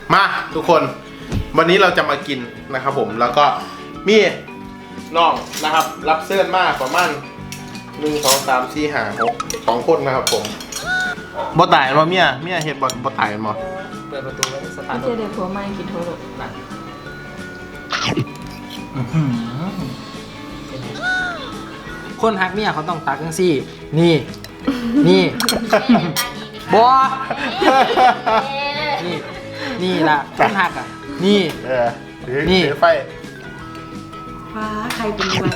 มาทุกคนวันนี้เราจะมากินนะครับผมแล้วก็มีน้องนะครับรับเสื้อมากประมาณ1 2 3 4 5 6 2 คนนะครับผมบ่ตายมาเมียเฮ็ดบ่ตายมั้งเปิดประตูไว้สตาร์ทเจอเด็กผัวไม่กินโทรศัพท์นะคนฮักเมียเขาต้องตักจังซี่นี่บอนี่ล่ะคนฮักอ่ะนี่ นี่ถือไฟฟ้าใครเป็นอะไร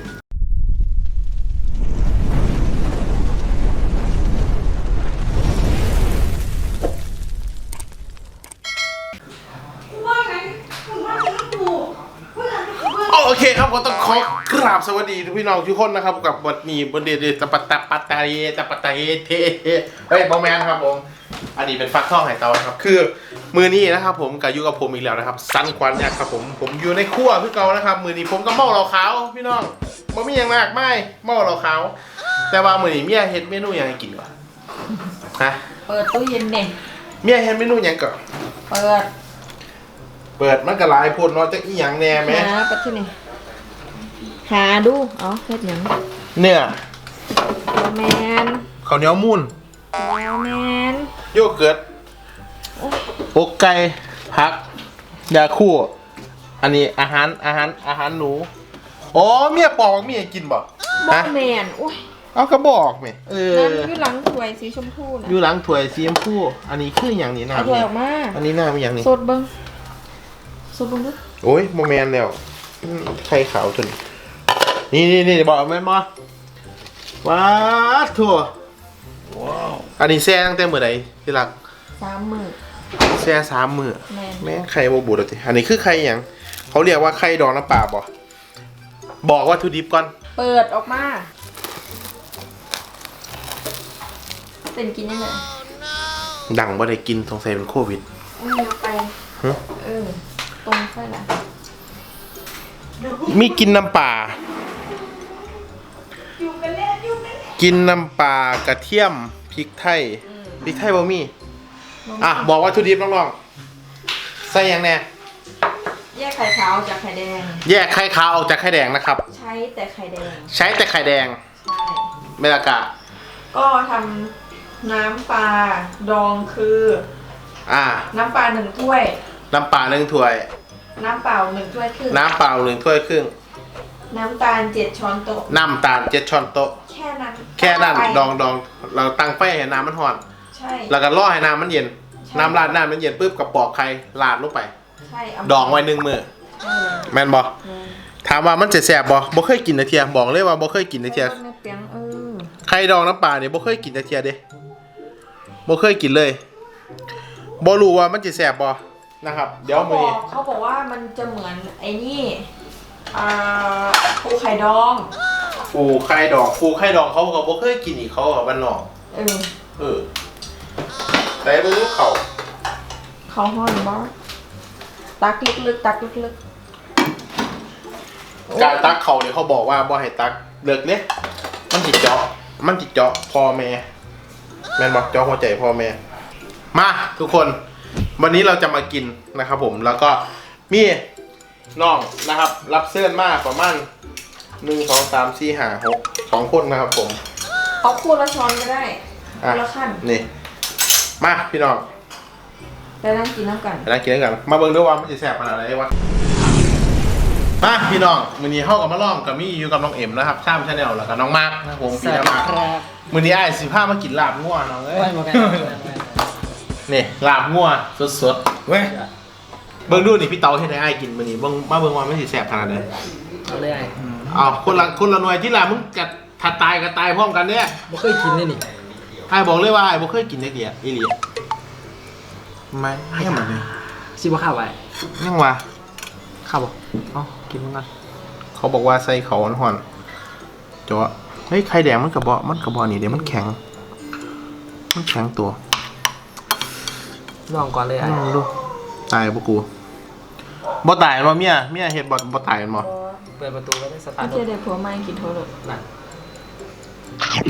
โอเคครับก็ต้องขอกราบสวัสดีทุกพี่น้องทุกคนนะครับกับวันนี้บนเดตปัตตาปัตตาเทเฮ้ยบอแมนครับผมอันนี้เป็นฟักทองไหเตาครับคือมือนี้นะครับผมกับอยู่กับผมอีกแล้วนะครับสันควันเนี่ยครับผมอยู่ในครัวพี่เก่านะครับมือนี้ผมก็เมาเหล้าขาวพี่น้องบ่มีอย่างมากไม่เมาเหล้าขาวแต่ว่ามือนี้เมียเฮ็ดเมนูอย่างกินก่อนฮะเปิดตู้เย็นเด็กเมียเฮ็ดเมนูอย่างก่อนเปิดมันก็หลายพูดเนาะจักอีหยังแน่แม่หาไปที่ไหนหาดูเอาเฮ็ดหยังเนื้อแมนข้าวเหนียวมูนแมนโยเกิร์ตอกไก่ผักยาคู่อันนี้อาหารหนูอ๋อเมียปอกเมียกินบ่บอฮะแมนอุ้ยเอากระบอกไหมนั่นอยู่หลังถ้วยสีชมพูนะอยู่หลังถ้วยสีชมพูอันนี้คืออย่างนี้นะเอาถ้วยออกมาอันนี้หน้าเป็นอย่างนี้สดเบิ้งดูโอ้ยโมแมนแล้วไข่ขาวจนนี่บอกแม่นบ่ว้าถั่วว้าวอันนี้แซ่ตั้งแต่เมื่อไหร่ที่รัก 3 มื้อแซ่3 มื้อแม่นแม่งไข่โบบูดเลยอันนี้คือไข่อย่างเขาเรียกว่าไข่ดองน้ำปลาบ่บอกวัตถุดิบก่อนเปิดออกมาเป็นกินยังไงดังบ่ได้กินสงสัยเป็นโควิดเอาไปฮะตรงใช่ละมีกินน้ำปลากินน้ำปลากระเทียมพริกไทยบ่มีอ่ะบอกวัตถุดิบน้องๆใส่หยังแน่แยกไข่ขาวจากไข่แดงแยกไข่ขาวออกจากไข่แดงนะครับใช้แต่ไข่แดงใช้แต่ไข่แดงใช่เมลากะก็ทำน้ำปลาดองคือ น้ำปลา1 ถ้วยน้ำปลา1 ถ้วยน้ำเปล่า1 ถ้วยครึ่งน้ำเปล่า1 ถ้วยครึ่งน้ำตาล7 ช้อนโต๊ะน้ำตาล7 ช้อนโต๊ะแค่นั้นแค่นั้นไปดองเราตั้งไฟให้น้ำมันร้อนใช่แล้วก็รอให้น้ำมันเย็นใช่น้ำราดน้ำมันเย็นปุ๊บกับปอกไข่ราดลงไปใช่เาดองไว้1 มื้อใช่เลยแม่นบ่ถามว่ามันจะแซ่บบ่เคยกินแต่เทียบอกเลยว่าบ่เคยกินแต่เทียในเปียงไข่ดองน้ำปลาเนี่ยบ่เคยกินแต่เทียเด้บ่เคยกินเลยบ่รู้ว่ามันจะแซ่บบ่นะครับ เดี๋ยวมื้อนี้เขาบอกว่ามันจะเหมือนไอ้นี่ปูไข่ดองปูไข่ดองเขาก็บ่เคยกินอีกเขาก็บ้านนอก เออแต่บ่รู้เขาเขาห่อนบ่ตักลึกๆตักลึกการตักเขาเนี่ยเขาบอกว่าบ่ให้ตักเลิกเนี่ยมันจิเจาะพ่อแม่แม่นบอกเจาะหัวใจพ่อแม่มาทุกคนวันนี้เราจะมากินนะครับผมแล้วก็มีน้องนะครับรับเสื้อมากประมาณ1 2 3 4 5 6 2 คนนะครับผมๆเอาคู่ละช้อนก็ได้คู่ละขั้นนี่มาพี่น้องแล้วนั่งกินน้ำกันไปนั่งกินด้วยกันมาเบิ่งด้วยว่ามันจะแซ่บขนาดไหนวะมาพี่น้องมื้อนี้เฮากับมาล้อมกับมี่อยู่กับน้องเอ็มนะครับชามชาแนลแล้วก็น้องมาร์คนะครับผมพี่น้องมาร์คครับมื้อนี้อ้ายสิพามากินลาบงัวน้องเอ้ไว้ยหมดกันนี่ลาบงัวสดๆเว้ยเบิ่งดูนี่พี่เต๋าเฮ็ดให้อ้ายกินมื้อนี้เบิ่งมาเบิ่งว่ามันสิแซ่บขนาดไหนเอาเลยไอ้อ้าวคนละหน่วยที่ล่ะมึงก็ถ้าตายก็ตายพร้อมกันเด้บ่เคยกินเลยนี่อ้ายบอกเลยว่าอ้ายบ่เคยกินจักเดียอีหลีไม่ให้มันเลยสิบ่ข้าวไว้ยังวะข้าวบ่เอ้ากินมันกันเขาบอกว่าใส่เขาห่อนๆจ้ะเฮ้ยไข่แดงมันกระบอกนี่เดี๋ยวมันแข็งตัวลองก่อนเลยไอ้ลองดูตายบ่กูบ่ตายบ่เมียเฮ็ดบ่ตายบ่เปิดประตูไว้สตาร์ทเจอเด็กผัวไม่กินโทรศัพท์นั่น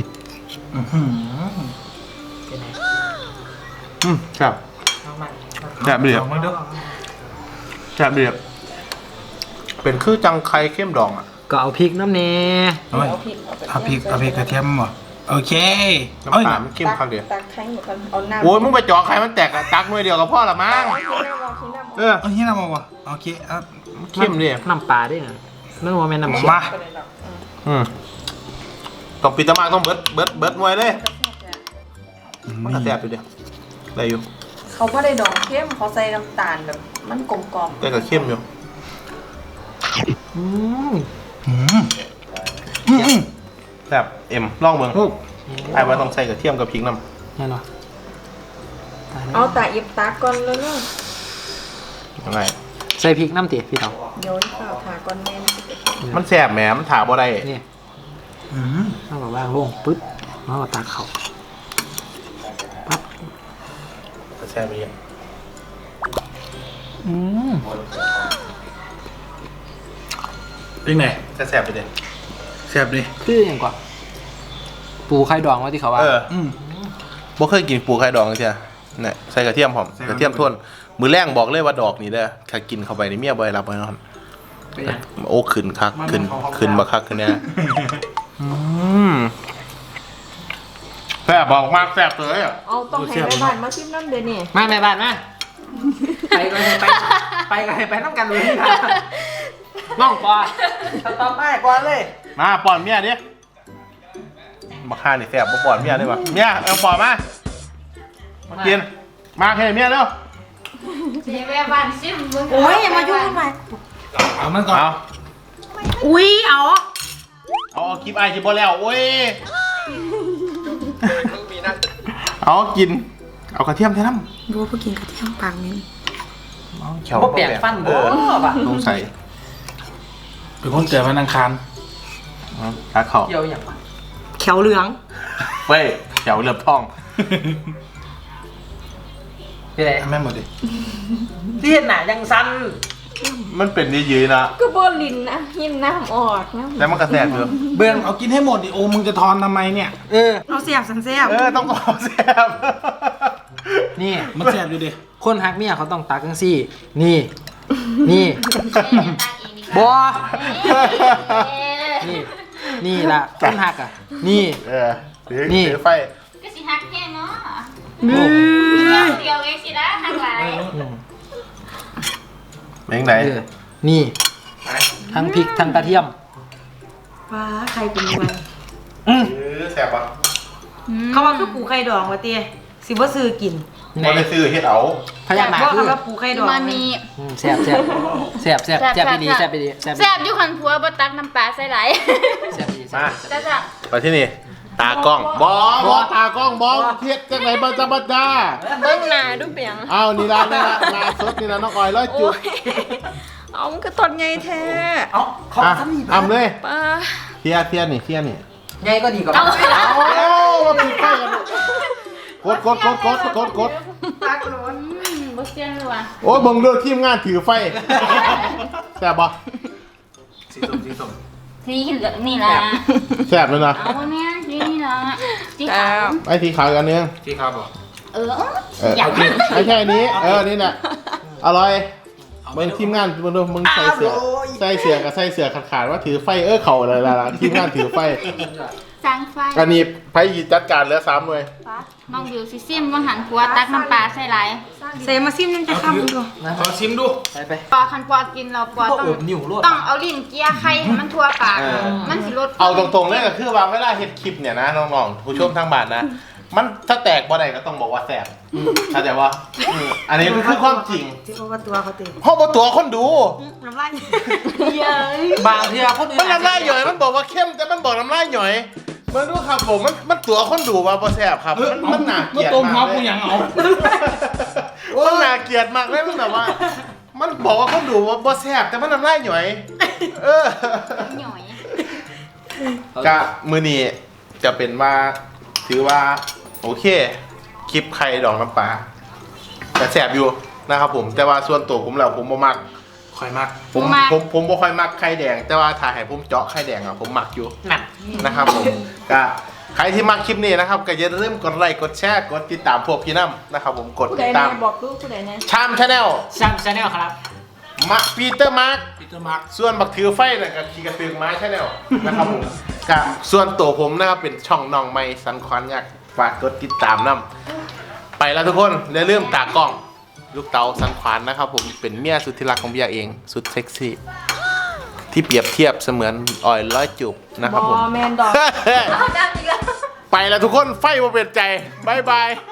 เป็นไงครับน้องมันแซ่บเรียบมึงดูแซ่บเรียบเป็นคือจังไข่เข้มดองอ่ะก็เอาพริกน้ำเนเอาไว้เอาพริกเอาพริกกระเทียมหมดโอเคน้ำปลามันเข้มคักเดียวตักแข็งหมดกันเอาน้ำโอ้ยมึงไปจ่อไข่มันแตกอะตักหน่วยเดียวกับพ่อละมั้ง เออเอาที่น้ำมาวะโอเคเอาเข้มดิน้ำปลาด้วยนะนั่นว่าแม่น้ำเชื่อมาต้องปิดตะมากต้องเบิดหน่วยเลย มันก็แซ่บอยู่เดียวได้อยู่เขาก็ได้ดองเข้มเขาใส่น้ำตาลแบบมันกลมกล่อมแต่ก็เข้มอยู่อืมอืมอืมแซ่บเอ็มลองเบิ่งไอ้ว่าต้องใส่กระเทียมกับพริกน้แน่นอนเอาตาอิบตาก่อนแล้วเนาะำยังไงใส่พริกน้ำตีพี่เต๋าโยนข้าวทาก่อนแม่นสิมันแซ่บแหมมันถาบ่ได้นี่อืมเอาแบบว่างลงปึ๊บแล้วก็ตักเขาปั๊บแซ่บไปเยอะอืมเป็นไงแซ่บไปเด็ดแซ่บดิคืออย่างกว่า ปูไข่ดองไว้ที่เขาว่าอืมบ่เคยกินปูไข่ดองใช่ไหมเนี่ยใส่กระเทียมหอมใส่กระเทียมท่วนมือแรงบอกเลยว่าดอกนี่เด้อถ้ากินเข้าไปในเมียบ่ได้รับแน่นอนเป็นอย่างโอ้ขึ้นคักขึ้นมาคักขึ้นแน่แซ่บบอกมากแซ่บเลยอ่ะเอาต้องให้แม่บ้านมาชิมน้ำเดี๋ยวนี้มาแม่บ้านมาไปก็ให้ไปน้ำกันเลยนะน้องปอต่อไปปอเลยมาป้อนเมียดิมาฆ่านี่แซ่บบ่ป้อนเมียได้ปะเมียเอาป้อนมากินมาให้เมียเร็วเจ๊แม่บ้านซิมมึงโอ้ยอย่ามายุ่งทำไมเอามันก่อนเอาอุ้ยเอาเอาคลิปไอคลิปบ่แล้วโอ้ยเอากินเอากระเทียมแท้น้ำบัวเพิ่งกินกระเทียมปากนี้บ่เปลี่ยนฟันบ่ป่ะต้องใส่เป็นคนเกิดวันอังคารตาเข่าเกี่ยวอย่างป่ะเขียวเหลืองเว้ยแถวเลือบท้องเป็นไรแม่หมดดิเลียนหนายังสั้นมันเป็นยืดๆนะก็บอลินนะหินน้ำออกนะแล้วมันกระแสบอยู่เบื้องเอากินให้หมดดิโอ้มึงจะทอนทำไมเนี่ยเอาเสียบสันเสียบต้องขอแสบนี่มันแซ่บอยู่ดิคนฮักเมียเขาต้องตักจังซี่ นี่ นี่บอนี่ นี่ล่ะคนฮักอ่ะ นี่ถือไฟก็สิฮักแค่เนาะนี่เดียวเองสินะฮักหลายเม่งไหนนี่ ทั้งพริกทั้งกระเทียมว้าใครเป็นไงแสบปะเขาว่าคือปูไข่ดองวะเตี้ยสิว่าซื้อกินมันได้ซื้อเฮ็ดเอาพยักหน้าว่าคือคำว่าปูไข่ดองมามีแซ่บแซ่บแซ่บแซ่บแซ่บไปดีแซ่บไปดีแซ่บแซ่บอยู่คันผัวบ่ตักน้ำปลาใส่หลายแซ่บไปดีมาจ้าจ้าไปที่นี่ ตากล้องบอตากล้องบอเทียบจังไหนบัจบัจจาเบิ้งหน้าดูเปียงอ้าวนี่ละงานสดนี่ละน้องออยร้อยจุดเอามันก็ตอนไงแท้เอาเขาอ่ะทำนี่อ่ำเลยป้าเทียนี่ไงก็ดีกว่าเอามาปิดไฟกันกดตักโน้นบ่เสียนเลยว่ะโอ้ยบังเลือกทีมงานถือไฟแสบปะสีส้มสีส้มสีเหลืองนี่ล่ะแสบเลยนะเอาแม่สีนี่ล่ะสีขาวไอ้สีขาวอีกอันนึงที่ครับบอกเอออยากไม่ใช่อันนี้นี่แหละอร่อยมึงทีมงานมึงใส่เสือกับใส่เสือขาดว่าถือไฟเข่าอะไรล่ะทีมงานถือไฟสร้างไฟอันนี้ไฟจัดการเหลือ3หน่วยน้องบิวสิซิมว่าหันผัวตักน้ำปลาใส่หลายเซมาซิมนั่นจะคำดูขอชิมดูไปปอคันปอกินเราปอพวกต้องอบนิ้วรวดต้องเอาลิ้นเกียร์ไข่ให้มันทั่วปาก มันสิลดเอาตรงๆเลยก็คือว่าเวลาเฮ็ดคลิปเนี่ยนะน้องๆผู้ชมทางบ้านนะ มันถ้าแตกบ่ได้ก็ต้องบอกว่าแสบเข้าใจว่าอันนี้มันคือความจริงที่เขาว่าตัวเขาตีเพราะว่าตัวคนดูน้ำลายบางทีคนอื่นมันน้ำลายหย่อยมันบอกว่าเข้มแต่มันบอกน้ำลายหย่อยมันดูครับผมมันตัวคนดูว่าบ่แสบครับมันน่าเกลียดต้มมากเขาเลกูยยังเอามันน่าเกลียดมากเลยมันแบบว่า มันบอกว่าคนดูว่าบ่แสบแต่มันน้ำลายหย่อยเออหน่อยกะมือนี้จะเป็นว่าถือว่าโอเคคลิปไข่ดองน้ำปลาแต่แสบอยู่นะครับผมแต่ว่าส่วนตัวผมแล้วผมบ่มักคอยมากผมบ่ค่อยมักไข่แดง แต่ว่าถ้าให้ผมเจาะไข่แดงอ่ะผมมักอยู่นั่นนะครับผมก็ใครที่มาคลิปนี้นะครับก็อย่าลืมกดไลค์กดแชร์กดติดตามพวกพี่น้ำนะครับผมกดผู้ติใดดตามแน่บอกลูกผู้ใดแน่ชามชาแนลซัมชาแนลครับมาปีเตอร์มาร์คปีเตอร์มาร์คส่วนบักถือไฟน่ะกับขี่กระตือม้าชาแนลนะครับผมกับส่วนตัวผมนะครับเป็นช่องน้องไม้สันควันอยากฝากกดติดตามน้ำไปแล้วทุกคนอย่าลืมตากล้องลูกเต๋าสันขวานนะครับผมเป็นเมียสุดที่รักของเบียร์เองสุดเซ็กซี่ที่เปรียบเทียบเสมือนออยร้อยจูบนะครับผมแมนดอกเอาดังอีกแล้วไปแล้วทุกคนไฟมาเปลี่ยนใจบายบาย